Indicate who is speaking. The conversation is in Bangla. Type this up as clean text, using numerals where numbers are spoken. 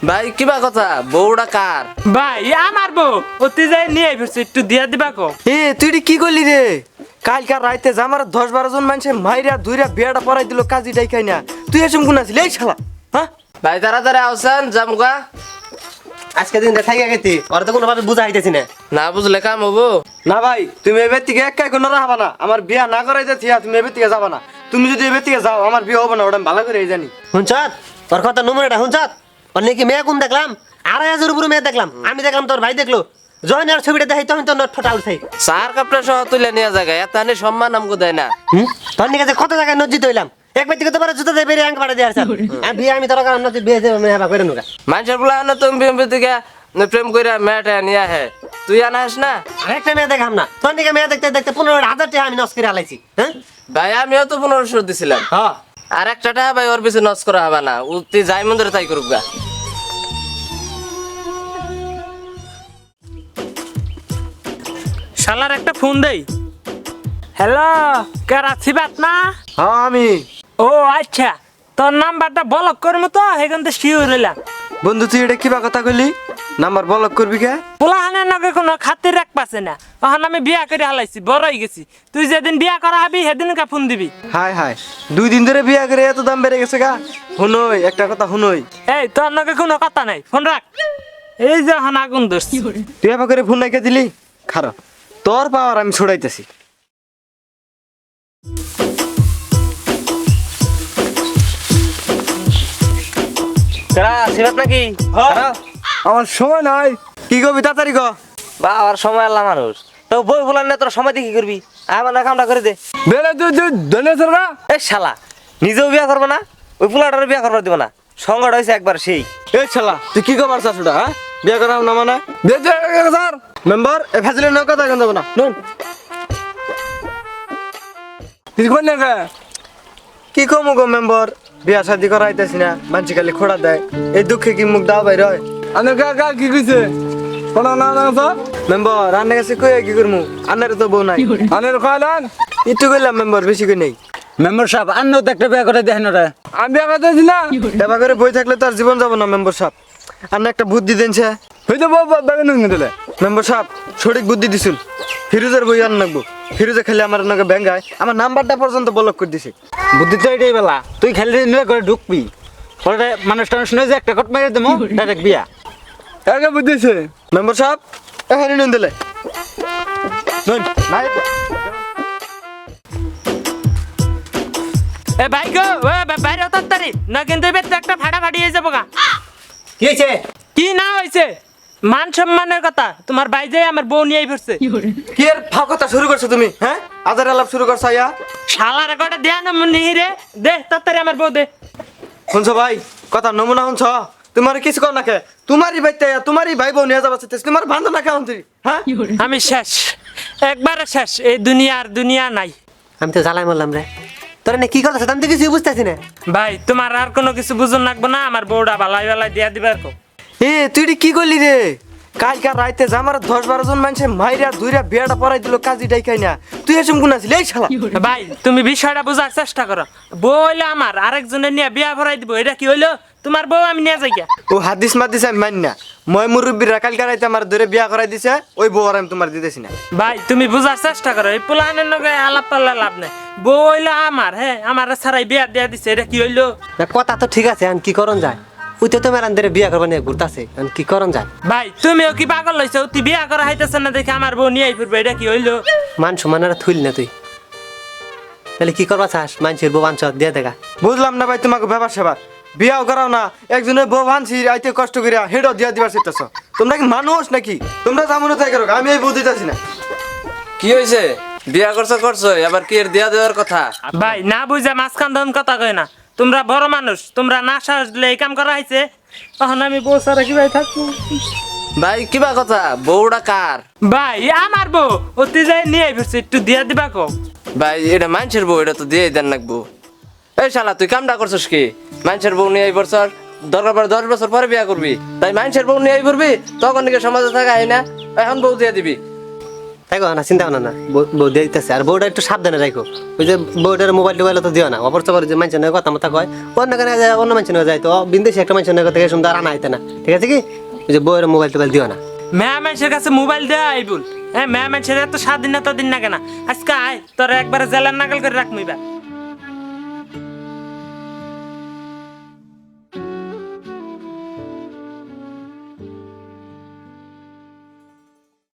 Speaker 1: ভাই কিবা কথা বউটা কার?
Speaker 2: ভাই আমার বউ অতি যাই নিয়ে ফিরছে একটু দিয়া দিবা কো।
Speaker 3: তুই কি করলি রে? কালকার রাইতে আমার 10-12 জন মানুষে মাইরা ধুইরা বিয়াটা পড়াই দিল কাজী ডাইকাই না। তুই এসম কোন আছিস এই শালা? হ্যাঁ
Speaker 1: ভাই তাড়াতাড়ি আসেন জামুকা।
Speaker 4: আজকে দিন দেখাই গেছি ওরা তো কোনোভাবে বুঝা হইতেছি না।
Speaker 1: না বুঝলে কাম হবো
Speaker 3: না ভাই, তুমি এবার থেকে একাই কোনো রাখবা না। আমার বিয়া না করাইতে থিয়া তুমি এবার থেকে যাবা না। তুমি যদি এবার থেকে যাও আমার বিয়ে হবে না, ওটা আমি ভালো করে জানি।
Speaker 4: হুনচাত তোর কথা নমুনাটা হুনচাত অন্য কি মেয়ে কোন দেখলাম 2,500 উপরে মেয়ে দেখলাম। আমি দেখলাম তোর ভাই দেখলো জয়নার ছবিটা দেখাই তখন তোর নট ফটা উঠাই।
Speaker 1: সার কাপড় সহ তুলে নিয়ে জায়গায় এত সম্মান আমাকে দেয় না।
Speaker 4: তোর নিকে কত জায়গায় নজ্জিত হইলাম একবার থেকে তোমার জুতো দিয়ে বেরিয়ে আঙ্ক পাড়া দিয়ে আসা বিয়ে আমি তোর কারণ নজ্জিত বিয়ে মেয়ে করে নুকা
Speaker 1: মানুষের বলা না তুমি থেকে প্রেম করে মেয়েটা নিয়ে আহে, তুই আনাস না?
Speaker 4: আরেকটা মেয়ে দেখাম না তোর নিকে মেয়ে দেখতে দেখতে 15,000 টাকা আমি নষ্ট করে আলাইছি। হ্যাঁ
Speaker 1: ভাই আমিও তো 1500 দিছিলাম।
Speaker 4: হ্যাঁ
Speaker 1: আর একটা টাকা ভাই ওর পিছনে নষ্ট করা হবে না, তুই যাই মন্দিরে তাই করুক গা।
Speaker 2: শালার একটা ফোন দেই। হ্যালো, কারাছি বাত না?
Speaker 3: হ্যাঁ আমি।
Speaker 2: ও আচ্ছা, তোর নাম্বারটা ব্লক করবো তো সেখান থেকে শিওর হইলাম।
Speaker 3: বন্ধু তুই এটা কিবা কথা কইলি? নাম্বার ব্লক করবি কে?
Speaker 2: পোলাহানের নগে কোনো খাতির রাখ পাছে না। তখন আমি বিয়া করে হালাইছি, বড় হয়ে গেছি। তুই যেদিন বিয়া করা হবি সেদিন ফোন দিবি।
Speaker 3: হাই হাই, 2 দিন ধরে বিয়া করে এত দাম বেড়ে গেছে গা। হুনই একটা কথা হুনই,
Speaker 2: এই তোর নগে কোনো কথা নাই, ফোন রাখ। এই যে এখন আগুন ধরছি।
Speaker 3: তুই এবার করে ফোন নাইকে দিলি? খারাপ, তোর পাওয়ার আমি ছড়াইতেছি।
Speaker 1: সিবাত নাকি?
Speaker 3: আমার সময় নাই। কি করবি তাড়াতাড়ি ক।
Speaker 1: বা আর সময় আল্লাহ মানুষ তো বই বলার না, তোর সময় দিয়ে কি করবি? আমার না কামটা করে দে। এই শালা নিজেও বিয়া করবো না, ওই পোলাটারও বিয়া করবার দিব না। সংকট হয়েছে একবার সেই।
Speaker 3: এই শালা তুই কি করবার চাস ওটা? হ্যাঁ বিয়া করাম না মানে স্যার মেম্বার এ ফ্যাসিলিটি না কথা কেন যাবো না নুন কি কমু গো মেম্বার, বিয়া শাদি করাইতেছি না, মানছি খালি খোড়া দেয়। এই দুঃখে কি মুখ দাও বাইর হয়?
Speaker 5: কি কইছে কোন না না স্যার
Speaker 3: মেম্বার রান্না কাছে কই কি করমু? আন্নার তো বউ নাই।
Speaker 5: আনের কয়লান
Speaker 3: একটু কইলাম মেম্বার, বেশি কই নেই।
Speaker 5: মেম্বার সাহেব আন্নও তো একটা বিয়ে করে দেখেন ওরা আমি বিয়ে করতে দিছি না
Speaker 3: এবার করে বই থাকলে তার জীবন যাব না মেম্বার সাহেব। আন্না একটা বুদ্ধি দেনছে।
Speaker 5: হইতো বেগুন দিলে
Speaker 3: মেম্বার সাহেব সঠিক বুদ্ধি দিছিল। ফিরোজের বই আন নাকবো। ফিরোজে খেলে আমার নাকি ব্যাঙ্গায়, আমার নাম্বারটা পর্যন্ত ব্লক করে দিছে।
Speaker 5: বুদ্ধি তো এটাই বেলা তুই খেলে নিলে করে ঢুকবি ওরা মানুষ টানুষ নয় যে একটা কট মেরে দেবো ডাইরেক্ট বিয়া একে বুঝিছে
Speaker 3: মেম্বার সাহেব এখানে নুন দিলে নাই।
Speaker 2: এ ভাই গো, ও বাইরে তাড়াতাড়ি না, কিন্তু এবার তো একটা ফাটাফাটি হয়ে যাবো গা।
Speaker 4: কি হয়েছে?
Speaker 2: কি না হয়েছে? মান সম্মানের কথা। তোমার ভাই যে আমার বউ নিয়ে ফিরছে।
Speaker 3: কি এর ফাও কথা শুরু করছো তুমি? হ্যাঁ আজার আলাপ শুরু করছো আয়া।
Speaker 2: শালার একটা দেয়া না নিহিরে দে তাড়াতাড়ি আমার বউ দে।
Speaker 3: শুনছো ভাই কথা নমুনা শুনছ? তোমার কিছু কর না খে, তোমারই বাইতে তোমারই ভাই বোন নিয়ে যাবা চাইতেছ, তোমার বান্ধব না কেমন তুই? হ্যাঁ
Speaker 2: আমি শেষ, একবারে শেষ। এই দুনিয়ার দুনিয়া নাই।
Speaker 4: আমি তো জ্বালাই মারলাম রে তোরা না কি কথা আমি তো কিছু বুঝতেছি না।
Speaker 2: ভাই তোমার আর কোনো কিছু বুঝুন লাগবো না, আমার বউটা বালাই বালাই দিয়া দিবার কো।
Speaker 3: তুই কি করলি রে? কালকার রাইতে আমার 10-12 জন মানুষে মাইরা ধুইরা বিয়াটা পড়াই দিল কাজী ডাইকাই না। তুই এসম কোন আছিস এই শালা?
Speaker 2: ভাই তুমি বিষয়টা বোঝার চেষ্টা করো। বউ হইলো আমার, আরেকজনের নিয়ে বিয়া ভরাই দিব, এটা কি হইলো? তোমার বউ আমি নিয়ে যাই গিয়া।
Speaker 3: ও হাদিস মাদিস আমি মানি না। মই মুরব্বীরা কালকার রাইতে আমার ধরে বিয়া করাই দিছে, ওই বউ আর আমি তোমার দিতেছি না।
Speaker 2: ভাই তুমি বুঝার চেষ্টা করো, এই পোলাহানের নগে আলাপ পাল্লা লাভ নাই। বউ হইলো আমার, হ্যাঁ আমার ছাড়াই বিয়া দিয়া দিছে, এটা কি হইলো?
Speaker 4: না কথা তো ঠিক আছে আমি কি করন যায় ওই তো তোমার আন্দরে বিয়া করবা নিয়ে ঘুরতাছে আমি কি করন যায়।
Speaker 2: ভাই তুমিও কি পাগল হইছো? তুই বিয়া করা হইতেছে না দেখে আমার বউ নিয়ে ফিরবে, এটা কি হইলো?
Speaker 4: মান সম্মানেরা থুইল না তুই তাহলে কি করবা চাস মানুষের বউ আনছ দিয়ে দেখা।
Speaker 3: বুঝলাম না ভাই তোমাকে ব্যাপার সেবার। বিয়াও করাও না, একজনের বউ ভানছি আইতে কষ্ট করিয়া হেডও দিয়া দিবার চেষ্টাছ। তোমরা কি মানুষ নাকি? তোমরা যেমন তাই করো, আমি এই বউ দিতেছি না।
Speaker 1: কি হয়েছে? বিয়া করছো করছো, এবার কি এর দিয়া দেওয়ার কথা?
Speaker 2: ভাই না বুঝে মাঝখান ধন কথা কয় না। তোমরা বড় মানুষ, তোমরা না সাহস দিলে এই কাম করা হয়েছে। তখন আমি বউ সারা কি ভাই থাকবো?
Speaker 1: ভাই কিবা কথা বউটা কার?
Speaker 2: ভাই আমার বউ অতি যাই নিয়ে ফিরছে, একটু দিয়া দিবা কো।
Speaker 1: ভাই এটা মানুষের বউ, এটা তো দিয়ে দেন লাগবো। এই শালা তুই কামটা করছিস কি? মানুষের বউ নিয়ে এই বছর দরকার পরে 10 বছর পরে বিয়া করবি, তাই মানুষের বউ নিয়ে পড়বি, তখন নাকি সমাজে থাকা হয় না, এখন বউ দিয়ে দিবি।
Speaker 4: তাই কো না চিন্তা ভাবনা না বউ দিয়ে দিতেছে আর বউটা একটু সাবধানে রাখো ওই যে বউটার মোবাইল টোবাইল তো দিও না অপর চপর যে মানুষের নয় কথা মতো কয় অন্য কেন যায় অন্য মানুষের নয় যায় তো বিন্দেশি একটা মানুষের নয় কথা সুন্দর আনা হইতে না ঠিক আছে কি ওই যে বউয়ের মোবাইল টোবাইল দিও না
Speaker 2: মেয়া মানুষের কাছে মোবাইল দেয়া আইবুল হ্যাঁ মেয়া মানুষের এত স্বাধীনতা দিন না কেন আজকে আয় তোর একবারে জেলার নাগাল করে রাখমিবা